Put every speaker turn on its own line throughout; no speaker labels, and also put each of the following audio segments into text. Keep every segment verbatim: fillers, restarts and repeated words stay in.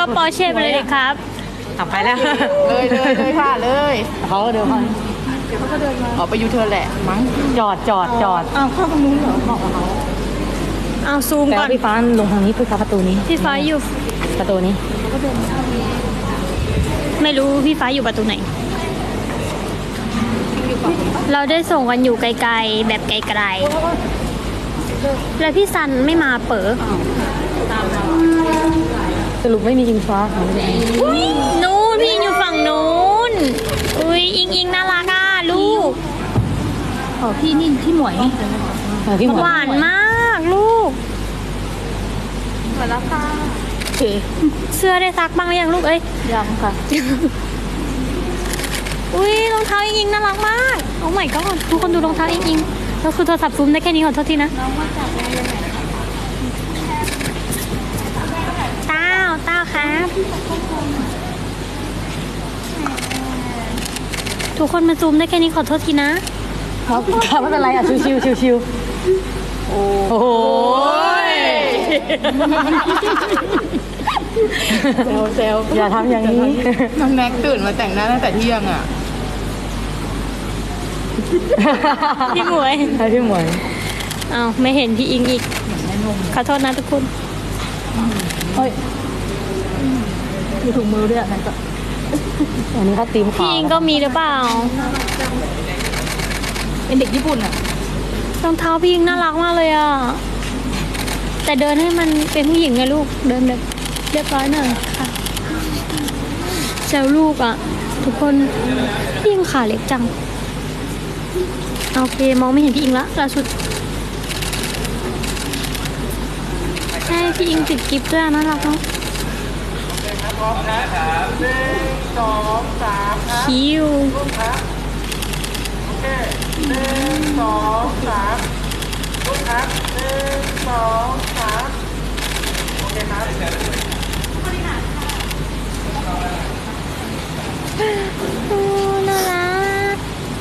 ปอร์เช่ไปเลยครับ
ขับไปแล้ว
เลยเลยเลยค่ะเลย
เขาเดินมา
เดี๋ยวเขาก็เดินมาออกไปยูเทิร์นแหละมั้ง
จอดจอดจอด
อ้าวเข้าตรงนู้นเหรอบอกกับเขา
เอาซูมก่อน
พี่ฟ้าลงทางนี้เพื่อประตูนี้
พี่ฟ้าอยู่
ประตูนี้
ไม่รู้พี่ฟ้าอยู่ประตูไหนเราได้ส่งกันอยู่ไกลๆแบบไกลๆแล้วพี่ซันไม่มาเปิด
สรุปไม่มีอิงฟ้าค่ะ
นู้นพี่อยู่ฝั่งนู้นอุ้ยอิงอิงน่ารักอ่ะลูก
ขอพี่นี่พี่หมวย
หวานมากลูก
เหมือนแล้วค่ะโอเค
เสื้อได้ซักบ้างหรือยังลูกเอ้ย
ยังค่ะ
อุ้ยรองเท้าอิงอิงน่ารักมากโอ้ my god ทุกคนดูรองเท้าอิงอิงแล้วคือโทรศัพท์ซูมได้แค่นี้ขอโทษทีนะน้องมาจากโรงเรียนไหนเต้าเต้าครับทุกคนมาซูมได้แค่นี้ขอโทษทีนะครับ
ครับไม่เป็นไรอ่ะชิวชิวชิวชิวโอ้โห
เซลเซล
อย่าทำอย่างนี้
น้องแม็กตื่นมาแต่งหน้าตั้งแต่เที่ยงอ่ะ
พี่หมวย
ใช่พี่หมวย
อ้าวไม่เห็นพี่อิงอีกขอโทษนะทุกคน
เฮ้ย
มีถุงมือด้วยนั่นก็
อันนี้เขาตีมขาว
พี่อิงก็มีหรือเปล่า
เป็นเด็กญี่ปุ่นอ่ะ
รองเท้าพี่อิงน่ารักมากเลยอ่ะแต่เดินให้มันเป็นผู้หญิงไงลูกเดินแบบเรียบร้อยหน่อยค่ะแซวลูกอ่ะทุกคนพี่อิงขาเล็กจังโอเคมองไม่เห็นพี่อิงละล่าสุดใช่พี่อิงติดกิฟต์ด้วยน่ารักเนาะ
พร้อมนะครับหนึ่งสองสามครับ
คิว
ครับโอเคหนึ่งสองสามลูกครับหนึ่งสองสามโอเคครับ
โอ้น่ารัก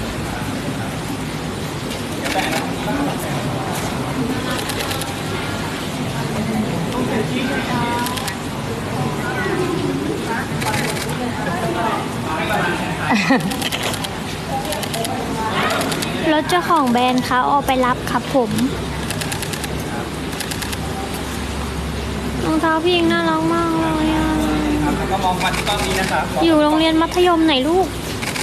รถเจ้าของแบรนด์เขาเอาไปรับครับผมรองเท้าพี่อิงน่ารักมากเลยอ่ะ
ก็มองมาที่กล้องนี้นะครับ
อยู่โรงเรียนมัธยมไหนลูก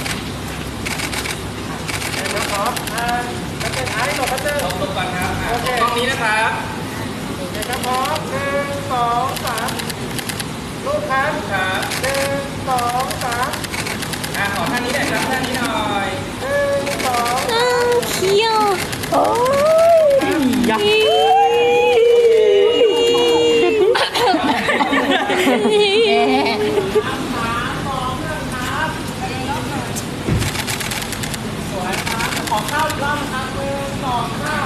นะครับอ่าแล้วเป็นไอ้หลบพัตเตอร์หลบก่อนครับโอเคกล้องนี้นะครับโอเคครับพร้อมหนึ่งสองสามลูกครับครับหนึ่งสองสามอ่าขอท่านี้หน่อยครับท่านี้หน่อยหนึ่งสอง
อ้าวเคี้ยวโอ้
ยยัก
ขอข้าวอีกรอบนะครับหนึ่งสองสาม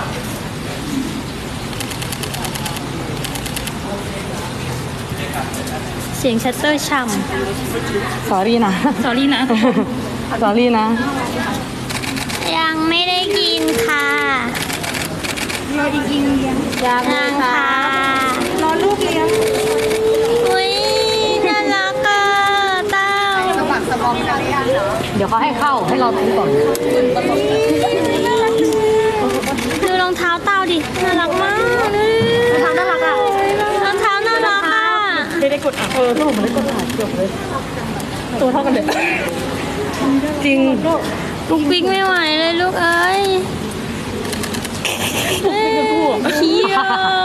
เสียงชัตเตอร์ช่
ำสอรี่นะ
ำ sorry นะ
สอรี่นะ
ยังไม่ได้กินค่ะ
รออีกกินเลี้ยง
ยังค่ะ
รอลูกเลี้ยง
อุ้ยน่ารักอ่ะเต้า
สมัครสมองกันหรือยังเหรอ
เดี๋ยวเขาให้เข้าให้เราทิ้งก่อน
ดูรองเท้าเต้าดิน่ารักมากรองเท้าน่ารักอ่ะรองเท้าน่ารักอ่ะ
ไม่ได้กดอ่ะเออถ้าผมไม่ได้กดถ่ายเกือบเลยตัวเท่ากันเลยจริง
ลูกปิ๊กไม่ไหวเลยลูกเอ้ยเคี้ยว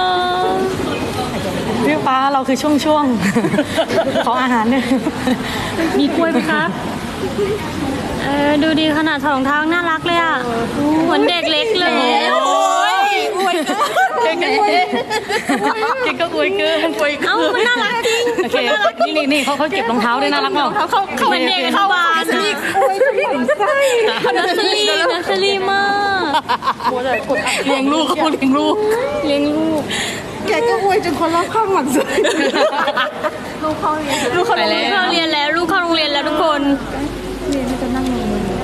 พี่ฟ้าเราคือช่วงช่วงของอาหารเนี่ย
มีกล้วยไหมครับเออดูดีขนาดถอดรองเท้าน่ารักเลยอ่ะเหมือนเด็กเล็กเลย
โอ้ยอวย
เก่งก็อวยเก่งก็อวยเกินอวยเกิน
เอ้ามันน่ารักจริง
โอเคนี่นี่นี่เขาเขาเก็บรองเท้าด้วยน่ารักเปล่า
เขาเขาเหมือนเด็กเขาบาน
อวยจะไม่ถึงไส้
นัสลีนัสลีมาก
เลี้ยงลูกเขาเลี้ยงลูก
เลี้ยงลูก
แกก็อวยจนคนรอบข้างหมั่นไส้ลูกเขาเรียน
ลูกเขาเรียนแล้วลูกเข้าโรงเรียนแล้วทุกคน
เรียนจะนั่งลงเลย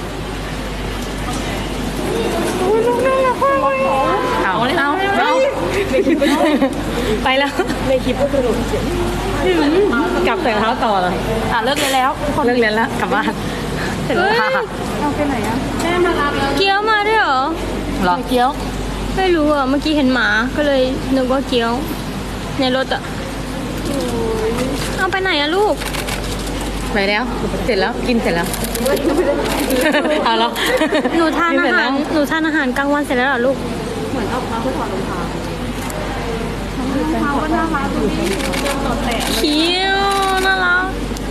อุ้ยลูกน่ารักมากเลยเอาเลยเอาเอาไปแล้วในคลิปก็สนุกกลับใส่รองเท้าต่อเลย
อ่ะเลิกเลยแล้ว
เลิกเรียนแล้วกลับบ้านเสร็จแล้วค่ะ
เอาไปไหนอ่ะแม่มารับแล้ว
เกี๊ยวมาด้วยเหรอ
หรอ
เกี๊ยว
ไม่รู้อ่ะ เมื่อกี้เห็นหมา ก็เลยนึกว่าเกี๊ยว ในรถอ่ะ เอาไปไหนอะลูก
ไปแล้ว เสร็จแล้วกินเสร็จแล้วเอาแล้ว
หนูทาน
กิ
อา
เสร็จ
หา
แล้
ร
ว
หนูทานอาหารกลางวันเสร็จแล้วเหรอลูก
เหมือนออกมาเพื่อถอดรองเท้ารองเท้าก็น่ารักดูดิตดแตะ
เคี้ยวน่ารัก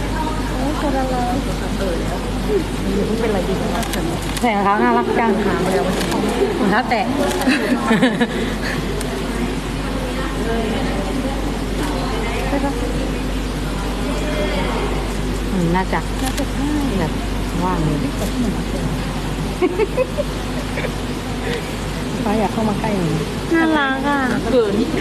ใส่รองเท้าน่ารักจังรองเท้าแตะอืมน่าจะน่าจะใช่แบบว่างเลยฟ้าอยากเข้ามาใกล้หน่อย
น่ารักอ่ะ
เกินนี่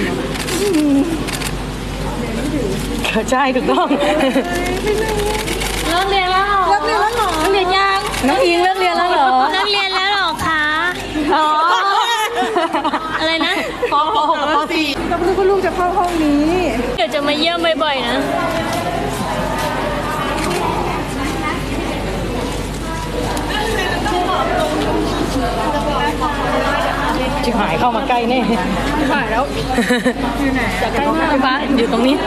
ใช่ถูกต้อง
เลิกเรียนแล้วเหรอ
เลิกเรียนแล้วเหรอ
เลิกเรียนยัง
น้องอิงเลิกเรียนแล้วเหรอ
เลิกเรียนแล้วเหรอคะ
อ๋อ
อะไรนะ
ปหกกับปสี่
ก็ไม่รู้ว่าลูกจะเข้าห้องนี้
เดี๋ยวจะมาเยี่ยมบ่อยๆนะ
ชิบหายเข้ามาใกล้แน่
ถ่ายแล้ว
จะใกล้มากฟ้าอยู่ตรงนี้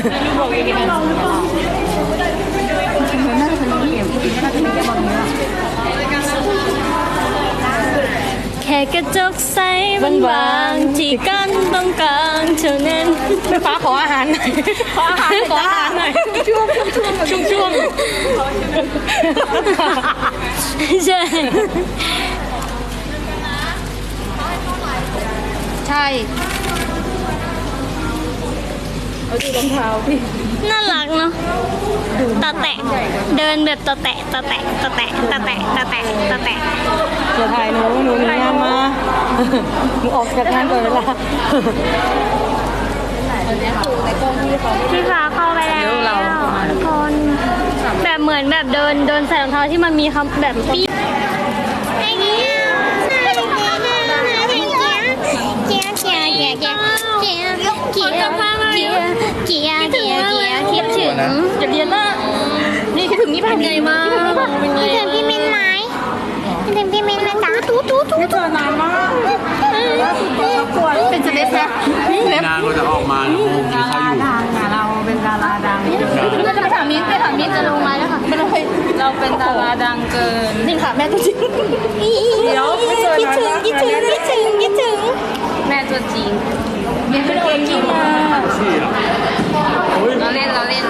แค่กระจกใสบางๆที่กั้นตรงกลางเท่านั้น
ฟ้าขออาหารหน่อยขออาหารขออาหารหน่อยช่วงช่วงช่วงช่วง
ใช่
ใช่เอาดูรองเท้าพี่
น่ารักเนาะตาแตะ เดินแบบตาแตะตาแตะตาแตะตาแตะตาแตะตาแตะ
จะถ่ายหนูหนูมีงานมาหนูออกจากงานก่อนเวลา
พี่ฟ้าเข้าไปแล้วทุกคนแบบเหมือนแบบเดินเดินใส่รองเท้าที่มันมีคำแบบปี๊คิดถึงจะเรียนละนี่คิดถึงนี่เป็นไงมาเป็นไง
คิดถึงพี่มินไหมคิดถึงพี่มินไหมจ๊ะทูทูทู
ไม่เจอนานมากเป็นสเต็ปนะ
นานกว่าจะออกมานะมุมที่เขาอยู่
เราเป็นดาราดัง
เราจะไปถามมิ้นไปถามมิ้นจะลงมาแล้วค่ะไม่เลย
เราเป็นดาราดังเกิน
นี่ค่ะแม่ตัวจริงเดี๋ยวไม่เจอ
คิด
นาน
ถึง
มาก
คิดถึงคิดถึงคิดถึง
แม่ตัวจริง
มิ้นเป็นเองกี่มา
เราเล่นเราเล่น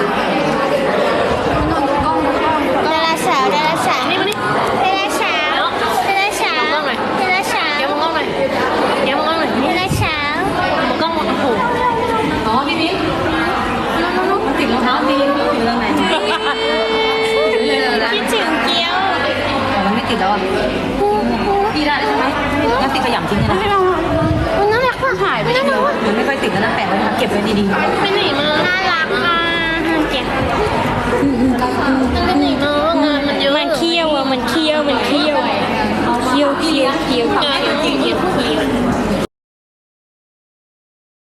ดาราสาวดาราสาวนี่มานี่ดาราสาวดาราสาวดาราสาว
เดี๋ยวมองกล้องหน่อยเดี๋ยวมองกล้องหน่อย
ดาราสาว
มองกล้องมองกระโปรงอ๋อพี่มิ้นน้องๆติดรองเท้าดีอยู่ตรงไหนเลยนะ
คิดถึงเกี๊ยว
มันไม่ติดแล้วอ่ะพี่ได้ใช่ไหมงั้นติดขยำทิ้งเลยนะ
มันน่ารักว่ะถ่ายไปน่ารักว่ะ
มันไม่ค่อยติดแล้วนะแปะไว้นะเก็บไว้ดีๆ
ไปไหนมาน่ารักอ่ะเกี๊ยวไปไหนมางานมันเยอะมันเคี้ยวอ่ะมันเคี้ยวมันเคี้ยวเคี้ยวเคี้ยวเคี้ยว